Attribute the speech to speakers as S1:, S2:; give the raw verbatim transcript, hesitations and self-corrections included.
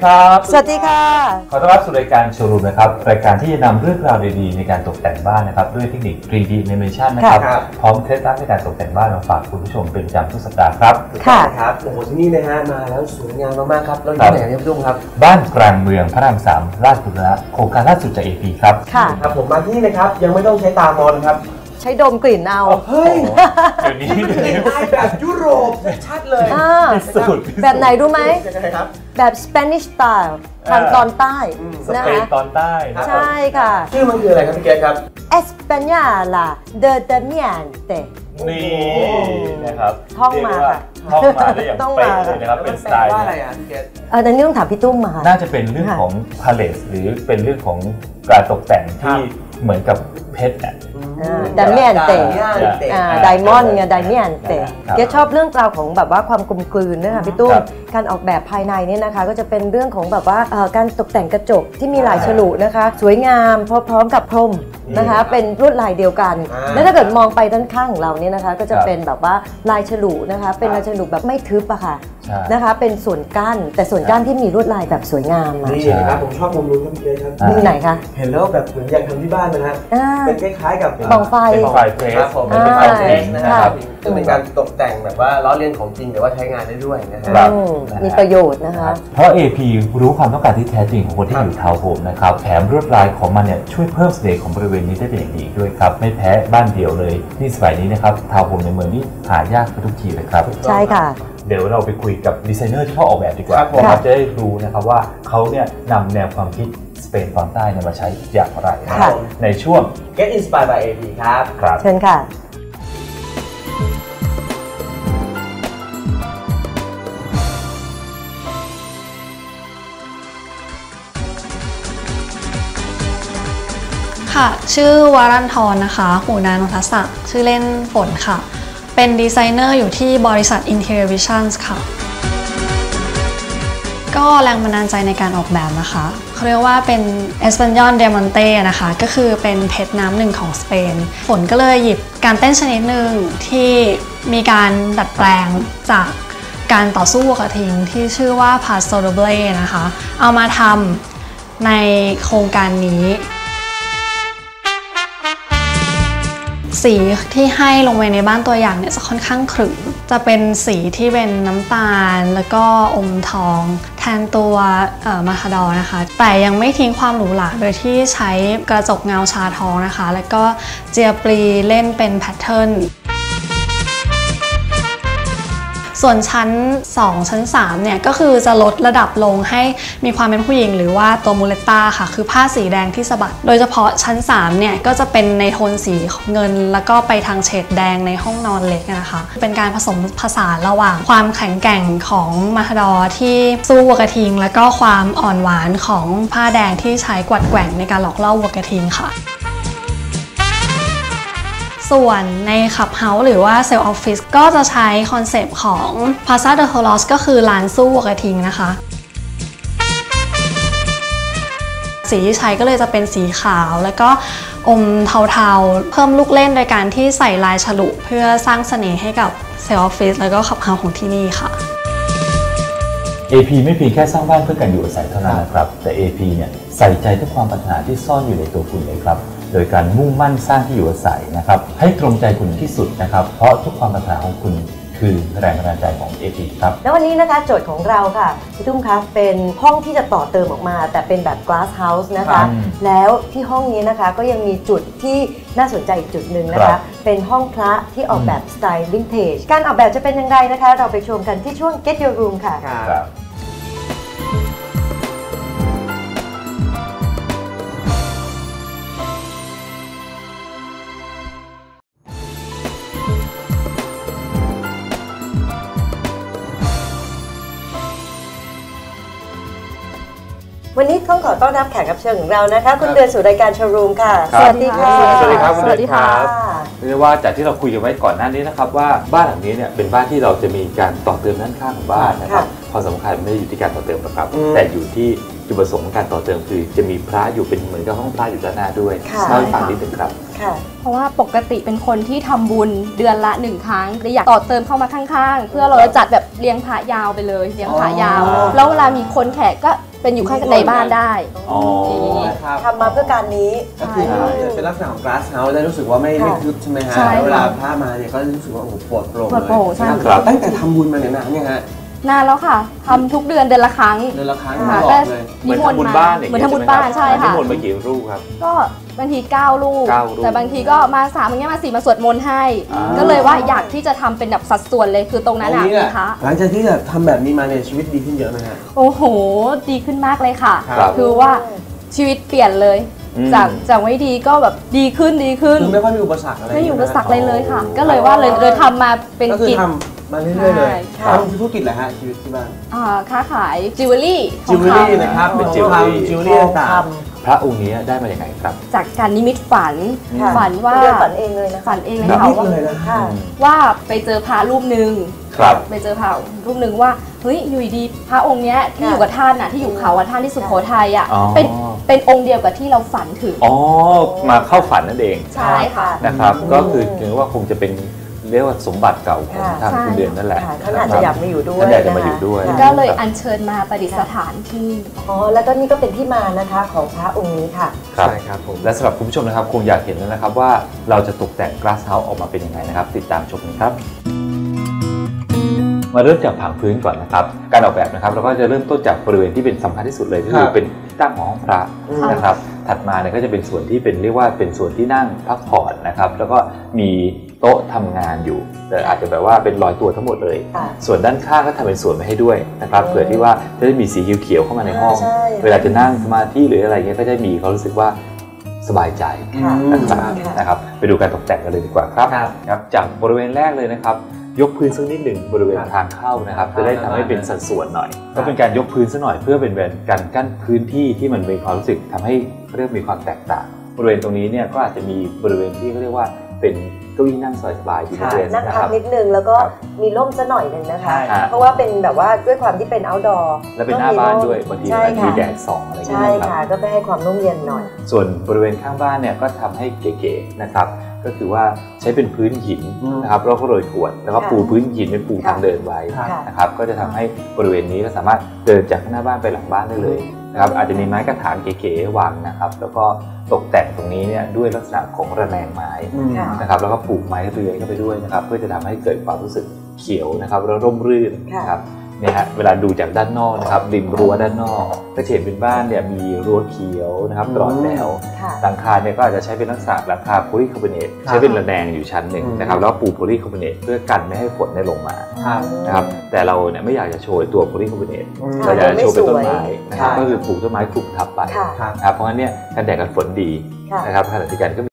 S1: ครับ
S2: สวัสดีค่ะ
S1: ขอต้อนรับสู่รายการโชว์รูมนะครับรายการที่จะนำเรื่องราวดีๆในการตกแต่งบ้านนะครับด้วยเทคนิค ทรี ดี Animation นะครับพร้อมเคล็ดลับในการตกแต่งบ้านมาฝากคุณผู้ชมเป็นประจำทุกสัปดาห์ครับ
S3: ค่ะครับโอ้โหที่นี่นะฮะมาแล้วสวยงามมากๆครับเราอยู่ที่ไหนครับพี่ตุ้มครับ
S1: บ้านกลางเมืองพระรามสามราชบุรณะโครงการล่าสุดจาก เอ พี ครับ
S2: ค่ะ
S3: ครับผมมาที่นี่นะครับยังไม่ต้องใช้ตามองนะครับ
S2: ใช้ดมกลิ่นเอา
S3: เฮ้ย
S1: เดี๋ยวนี้
S3: เดี๋ยวนี้แบบยุโรปชัดเลย
S1: สุด
S2: แบบไหนรู้ไหมแบบ Spanish style ทางตอนใต้
S1: นะคะตอนใต้
S2: ใช่ค่ะ
S3: ชื่อมันคืออะไรครับพี่เกศครับ
S2: Española de Damiante
S1: นี่นะครับ
S2: ท่องมาค่ะ
S1: ท่องมาได้อย่างเป๊ะเลยนะครับเป็นสไตล์
S3: ว่าอะไรอ่ะพี่เกศ
S2: อันนี้ต้องถามพี่ตุ้มมา
S1: น่าจะเป็นเรื่องของพาเลสหรือเป็นเรื่องของการตกแต่งที่เหมือนกับเพชรอ่ะ
S2: ไดเมียนเตไดมอนด์ไงไดเมียนเตเกชอบเรื่องราวของแบบว่าความกลมกลืนนะคะพี่ตุ้มการออกแบบภายในนี่นะคะก็จะเป็นเรื่องของแบบว่าการตกแต่งกระจกที่มีลายฉลุนะคะสวยงามพร้อมกับพรมนะคะเป็นลวดลายเดียวกันแล้วถ้าเกิดมองไปด้านข้างของเราเนี่ยนะคะก็จะเป็นแบบว่าลายฉลุนะคะเป็นลายฉลุแบบไม่ทึบอะค่ะนะคะเป็นส่วนกั้นแต่ส่วนกั้นที่มีลวดลายแบบสวยงาม
S3: นี่นะครับผมชอบมุมนู้นครับพี่เกศครับ
S2: มุมไหนคะ
S3: เห็นแล้วแบบเหมือนอยากทำที่บ้านนะฮะเป็นคล้ายๆกับ
S2: บังไฟ
S1: เป็นไฟเพรส
S3: ผมเป็นไฟเพรสนะครับซึ่งเป็นการตกแต่งแบบว่าล้อเลียนของจริงแต่ว่าใช้งานได้ด้วยนะครับ
S2: มีประโยชน์นะคะ
S1: เพราะ เอ พี รู้ความต้องการที่แท้จริงของคนที่อยู่ทาวน์โฮมนะครับแถมลวดลายของมันเนี่ยช่วยเพิ่มเสน่ห์ของบริเวณนี้ได้เป็นอย่างดีด้วยครับไม่แพ้บ้านเดี่ยวเลยที่สมัยนี้นะครับทาวน์โฮมในเมืองนี้หายากไปทุกทีเลยครับ
S2: ใช่ค่ะ
S1: เดี๋ยวเราไปคุยกับดีไซเนอร์ที่เขาออกแบบดีกว่าเราจะได้รู้นะครับว่าเขาเนี่ยนำแนวความคิดสเปนตอนใต้มาใช้อย่างไรในช่วง
S3: Get Inspired by เอ พี ครับ
S1: ครับ
S2: เชิญค่ะ
S4: ค่ะชื่อวารันทรนะคะหูนานนทศักดิ์ชื่อเล่นฝนค่ะเป็นดีไซเนอร์อยู่ที่บริษัท Interior Visions ค่ะก็แรงบันดาลใจในการออกแบบนะคะเขาเรียกว่าเป็น Español Diamante นะคะก็คือเป็นเพชรน้ำหนึ่งของสเปนฝนก็เลยหยิบการเต้นชนิดหนึ่งที่มีการดัดแปลงจากการต่อสู้กระทิงที่ชื่อว่า Paso Doble นะคะเอามาทำในโครงการนี้สีที่ให้ลงไปในบ้านตัวอย่างเนี่ยจะค่อนข้างขรึมจะเป็นสีที่เป็นน้ำตาลแล้วก็อมทองแทนตัวมาคาดอนะคะแต่ยังไม่ทิ้งความหรูหราโดยที่ใช้กระจกเงาชาทองนะคะแล้วก็เจียปลีเล่นเป็นแพทเทิร์นส่วนชั้นสองชั้นสามเนี่ยก็คือจะลดระดับลงให้มีความเป็นผู้หญิงหรือว่าตัวมูเลต้าค่ะคือผ้าสีแดงที่สะบัดโดยเฉพาะชั้นสามเนี่ยก็จะเป็นในโทนสีเงินแล้วก็ไปทางเฉดแดงในห้องนอนเล็กนะคะเป็นการผสมผสานระหว่างความแข็งแกร่งของมาคาดอที่สู้วัวกระทิงแล้วก็ความอ่อนหวานของผ้าแดงที่ใช้กวัดแกว่งในการหลอกล่อวัวกระทิงค่ะส่วนในขับเฮาส์หรือว่าเซลล์ออฟฟิศก็จะใช้คอนเซปต์ของ Plaza de Toros ก็คือร้านสู้วัวกระทิงนะคะสีที่ใช้ก็เลยจะเป็นสีขาวแล้วก็อมเทาๆเพิ่มลูกเล่นโดยการที่ใส่ลายฉลุเพื่อสร้างเสน่ห์ให้กับเซลล์ออฟฟิศแล้วก็ขับเฮาส์ของที่นี่ค่ะ
S1: เอ พี ไม่เพียงแค่สร้างบ้านเพื่อการอยู่อาศัยเท่านั้นนะครับแต่ เอ พี เนี่ยใส่ใจทุกความปรารถนาที่ซ่อนอยู่ในตัวคุณเลยครับโดยการมุ่งมั่นสร้างที่อยู่อาศัยนะครับให้ตรงใจคุณที่สุดนะครับเพราะทุกความปรารถนาของคุณคือแรงบันดาลใจของ เอ พี ครับ
S2: แล้ววันนี้นะคะโจทย์ของเราค่ะพี่ตุ้มคะเป็นห้องที่จะต่อเติมออกมาแต่เป็นแบบ glass house นะคะแล้วที่ห้องนี้นะคะก็ยังมีจุดที่น่าสนใจอีกจุดหนึ่งนะคะเป็นห้องพระที่ออกแบบสไตล์วินเทจการออกแบบจะเป็นยังไงนะคะเราไปชมกันที่ช่วง Get Your Room ค่ะวันนี้ต้องขอต้อนรับแขกรับเชิญของเรานะคะคุณเดือนสู่รายการโชว์รูมค่ะสวัสดีค่ะ
S1: สวัสดีครับสวัสดีครับเรียกว่าจากที่เราคุยกันไว้ก่อนหน้านี้นะครับว่าบ้านหลังนี้เนี่ยเป็นบ้านที่เราจะมีการต่อเติมด้านข้างของบ้านนะครับความสำคัญไม่ได้อยู่ที่การต่อเติมนะครับแต่อยู่ที่จุดประสงค์ของการต่อเติมคือจะมีพระอยู่เป็นเหมือนกับห้องพระอยู่ด้านหน้าด้วยเล่าให้ฟังนิดนึงครับ
S5: เพราะว่าปกติเป็นคนที่ทำบุญเดือนละหนึ่งครั้งอยากต่อเติมเข้ามาข้างๆเพื่อเราจะจัดแบบเลี้ยงพระยาวไปเลยเลี้ยงพระยาวแล้วเวลามีคนแขกก็เป็นอยู่ข้างในบ้านได้
S1: อ๋อ
S3: ครับ
S2: ทำมาเพื่อการนี้
S3: ก็คือเป็นลักษณะของ glass house ได้รู้สึกว่าไม่ไม่ทึบใช่ไหมฮะ
S5: ใช่ค่ะ
S3: เวลาพระมาเนี่ยก็รู้สึกว่าโอ้โหปลอดโปร่ง
S5: ปลอดโปร่งใช่
S3: เลย
S1: ครับ
S3: ตั้งแต่ทำบุญมาเนี่ยนานเนี่ยฮะ
S5: นานแล้วค่ะทำทุกเดือนเดือนละครั้ง
S3: เดือนละครั้ง
S5: ค่ะ
S3: ตลอ
S5: ก็
S3: ดเลย
S1: เหมือนทำบุญบ้านอย่าง
S5: เหมือน
S1: งี้
S5: ทำบุญบ้านใช่ค่ะ
S1: นิมนต์มากี่รูปครับ
S5: ก็บางทีเก้าลูก
S1: เก้าลูก
S5: แต่บางทีก็มาสามอย่างเงี้ยมาสี่มาสวดมนต์ให้
S1: อ่า
S5: ก็เลยว่าอยากที่จะทำเป็นแบบสัดส่วนเลยคือตรงนั้น
S3: ตร
S5: อ่ะ
S3: งนี้เนี่ย
S5: นะคะ
S3: หลังจากที่แบบทำแบบนี้มาเนี่ยชีวิตดีขึ้นเยอะไหมฮะ
S5: โอ้โห ดีขึ้นมากเลยค่ะ
S3: ครับ
S5: คือว่าชีวิตเปลี่ยนเลย
S1: อืม
S5: จากจากไม่ดีก็แบบดีขึ้นดีขึ้น
S3: คือไม่ค่อยมีอุปสรรคอะไร
S5: ไม่อยู่อุปสรรค
S3: ใช่
S5: เลย
S3: ไหม
S5: เลยค่ะ ก็เลยว่าเลยเลยทำมาเป็น
S3: ก็คือ
S5: กิจ
S3: ทำมาเรื่อยๆเลย
S5: ใช่
S3: ทำธุรกิจแหละฮะชีวิตที่บ้าน
S5: อ่าค้าขายจิวเวลรี่ท
S3: จิ
S5: อ
S3: ว
S5: ง
S3: เวล
S5: ค
S3: รี่นะครับ
S1: เป็น
S3: ของ
S1: จิวเวลรี่
S3: ทำจิวเวลรี่ต่าง
S2: ท
S1: พระองค์นี้ได้มาอย่างไงครับ
S5: ำจากการนิมิตฝัน
S2: ค่ะ
S5: ฝันว่า
S2: เดือนฝันเองเลยนะคะ
S5: ฝันเองเลย
S3: แบบ
S5: ค่ะ
S3: นี้
S5: ว่า
S3: เลยนะ
S2: ค่ะ
S5: ว่าไปเจอพระรูปหนึ่ง
S1: ครับ
S5: ไปเจอพระรูปหนึ่งว่าเฮ้ยอยู่ดีๆพระองค์เนี้ยที่อยู่กับท่านน่ะที่อยู่เขากับท่านที่สุโขทัยอ่ะ
S1: อ๋อ
S5: เป็นเป็นองค์เดียวกับที่เราฝันถึง
S1: อ๋อ มาเข้าฝันนั่นเอง
S5: ใช่ค่ะ
S1: นะครับ
S2: อืม
S1: ก็คือถือว่าคงจะเป็นเรียกว่าสมบัติเก่าของทาง
S5: ใช่
S1: คุณเดือนนั่นแหละ
S2: ค่ะท่านอาจจะอยากมาอยู่ด้วย
S1: ท่านอยากจะมาอยู่ด้วย
S2: นะคะ
S5: ก็เลยอัญเชิญมาประดิษฐานที่นี่
S2: อ๋อแล้วก็นี่ก็เป็นที่มานะคะของพระองค์นี้ค่ะ
S1: ครับ
S3: ใช่ครับผม
S1: และสำหรับคุณผู้ชมนะครับคงอยากเห็นแล้วนะครับว่าเราจะตกแต่ง glass house ออกมาเป็นยังไงนะครับ ติดตามชมกันครับ มาเริ่มจากผังพื้นก่อนนะครับ การออกแบบนะครับเราก็จะเริ่มต้นจากบริเวณที่เป็นสำคัญที่สุดเลยก็คือเป็นที่ตั้งของห้องพระนะครับ ถัดมาเนี่ยก็จะเป็นส่วนที่เป็นเรียกว่าเป็นส่วนที่นั่งพักผ่อนนะครับ แล้วก็มีโต๊ะทำงานอยู่แต่อาจจะแบบว่าเป็นรอยตัวทั้งหมดเลย
S2: ค่ะ
S1: ส่วนด้านข้างก็ทำเป็นส่วนไว้ให้ด้วยนะครับ
S2: อืม
S1: เผื่อที่ว่าจะได้มีสีเขียวๆเข้ามาในห้อง
S2: ใช่
S1: เวลาจะนั่งสมาธิหรืออะไรเงี้ยก็จะมีเขารู้สึกว่าสบายใจ
S2: ค่ะ
S1: นะครับ
S2: ค่ะ
S1: นะครับไปดูการตกแต่งกันเลยดีกว่าครับ
S3: ครับ
S1: ครับจากบริเวณแรกเลยนะครับ ยกพื้นสักนิดหนึ่งบริเวณทางเข้านะครับ จะได้ทำให้เป็นสัดส่วนหน่อย ก็เป็นการยกพื้นซะหน่อยเพื่อเป็นการกั้นพื้นที่ที่มันมีความรู้สึกทำให้เรียกมีความแตกต่างบริเวณตรงนี้เนี่ยก็อาจจะมีบริเวณที่เขาเรียกว่าเป็นเก้าอี้นั่งสบายๆที่บ
S2: ค่ะ
S1: ริเวณ
S2: นั่ง
S1: นะ
S2: พั
S1: ค
S2: ก
S1: รับ
S2: นิดนึงแล้วก็
S1: ครับ
S2: มีร่มซะหน่อยหนึ่งนะคะ
S3: ใช่
S2: เพราะว่าเป็นแบบว่าด้วยความที่เป็น outdoor
S1: และเป็นหน้าบ้านด้วยบางที
S2: ใช่
S1: มันมี
S2: ค่ะ
S1: แดดส่องอะไรอย่าง
S2: ใช่
S1: เงี้ยนะครับ
S2: ค่ะก็ไปให้ความร่มเย็นหน่อย
S1: ส่วนบริเวณข้างบ้านเนี่ยก็ทำให้เก๋ๆนะครับก็คือว่าใช้เป็นพื้นหิน
S3: อืม
S1: นะครับแล้วก็โรยกรวดแล้วก็
S2: ค่ะ
S1: ปูพื้นหินเป็นปูทางเดินไว้
S3: ค่ะ
S1: นะครับก็จะทำให้บริเวณนี้ก็สามารถเดินจากหน้าบ้านไปหลังบ้านได้เลยนะครับอาจจะมีไม้กระถางเก๋ๆวางนะครับแล้วก็ตกแต่งตรงนี้เนี่ยด้วยลักษณะของระแนงไม้
S3: อืม
S2: ค่ะ
S1: นะครับแล้วก็ปลูกไม้เรือยเข้าไปด้วยนะครับเพื่อจะทำให้เกิดความรู้สึกเขียวนะครับแล้วร่มรื่น
S2: ค่ะ
S1: นะครับเนี่ยฮะเวลาดูจากด้านนอกนะครับริมรั้วด้านนอกก็จะเห็นเป็นบ้านเนี่ยมีรั้วเขียวนะครับตลอดแนว
S2: ค่ะ
S1: หลังคาเนี่ยก็อาจจะใช้เป็นลักษณะหลังคาโพลีคาร์บอเนตใช้เป็นระแนงอยู่ชั้นหนึ่ง
S3: อืม
S1: นะครับแล้วปูโพลีคาร์บอเนตเพื่อกันไม่ให้ฝนได้ลงมา
S3: ครับ
S1: นะครับแต่เราเนี่ยไม่อยากจะโชว์ตัวโพลีคาร์บอเนต
S3: อืม
S1: เราอยากจะโชว์เป็นต้นไม้นะครับ
S2: ค่ะ
S1: ก็คือปลูกต้นไม้คลุมทับไป
S2: ค่ะ
S3: ครับ
S1: นะครับเพราะงั้นเนี่ยกันแดดกันฝนดี
S2: ค่ะ
S1: นะครับขณะเดียวกันก็